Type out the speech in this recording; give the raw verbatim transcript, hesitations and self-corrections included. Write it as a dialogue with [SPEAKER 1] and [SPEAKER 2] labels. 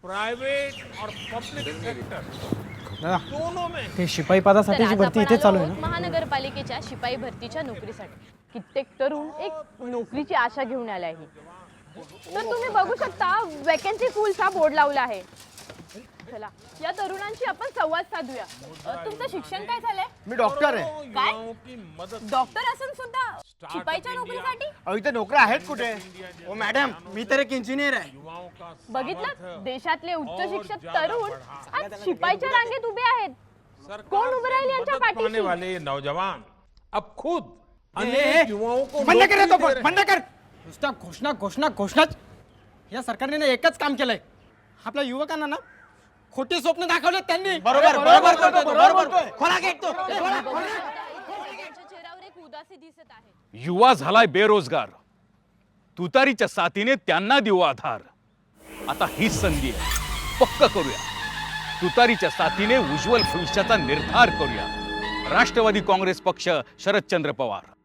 [SPEAKER 1] Private और public sector दोनों में
[SPEAKER 2] ते शिपाई पदासाठीची भरती इथे चालू आहे ना.
[SPEAKER 3] महानगरपालिकेच्या शिपाई भरतीच्या नोकरीसाठी कित्येक तरुण एक नोकरीची आशा घेऊन आले आहे. तर तुम्ही बघू शकता वॅकन्सी फुलचा बोर्ड लावला आहे. चला या तरुणांशी आपण संवाद साधूया. अ, तुमचं शिक्षण काय झालंय?
[SPEAKER 4] मी डॉक्टर आहे.
[SPEAKER 3] काय?
[SPEAKER 1] युवाओं की मदद
[SPEAKER 3] डॉक्टर असून सुद्धा शिपाईच्या नोकरीसाठी?
[SPEAKER 4] अहो इथे नोकऱ्या आहेत कुठे? ओ मॅडम, मी तर एक इंजिनियर आहे.
[SPEAKER 1] युवाओं का
[SPEAKER 3] बघितलं देशातले उच्च शिक्षित तरुण आज शिपाईच्या रांगेत उभे आहेत. कोण उभे राहील यांच्या
[SPEAKER 1] मदद पाने
[SPEAKER 3] पाठीशी?
[SPEAKER 1] वाले ये नौजवान अब खुद
[SPEAKER 2] ए,
[SPEAKER 1] अनेक युवाओं को
[SPEAKER 2] बंद कर
[SPEAKER 1] नौकरी
[SPEAKER 2] तो
[SPEAKER 1] दे
[SPEAKER 2] पण,
[SPEAKER 1] रहे
[SPEAKER 2] बंद कर. नुसत्या घोषणा घोषणा घोषणाच. या सरकारने ना एकच काम केलंय. आपल्या युवकांना ना खोटी स्वप्न दाखवले त्यांनी.
[SPEAKER 4] बरोबर बरोबर बोलतोय तो, बरोबर बोलतोय. खोला गेट तो.
[SPEAKER 3] त्यांच्या चेहऱ्यावर एक उदासी दिसत आहे.
[SPEAKER 5] युवा झालाय बेरोजगार. तुतारीच्या साथीने त्यांना देऊ आधार. आता हीच संधी आहे, पक्क करूया. तुतारीच्या साथीने उज्ज्वल भविष्याचा निर्धार करूया. राष्ट्रवादी काँग्रेस पक्ष, शरदचंद्र पवार.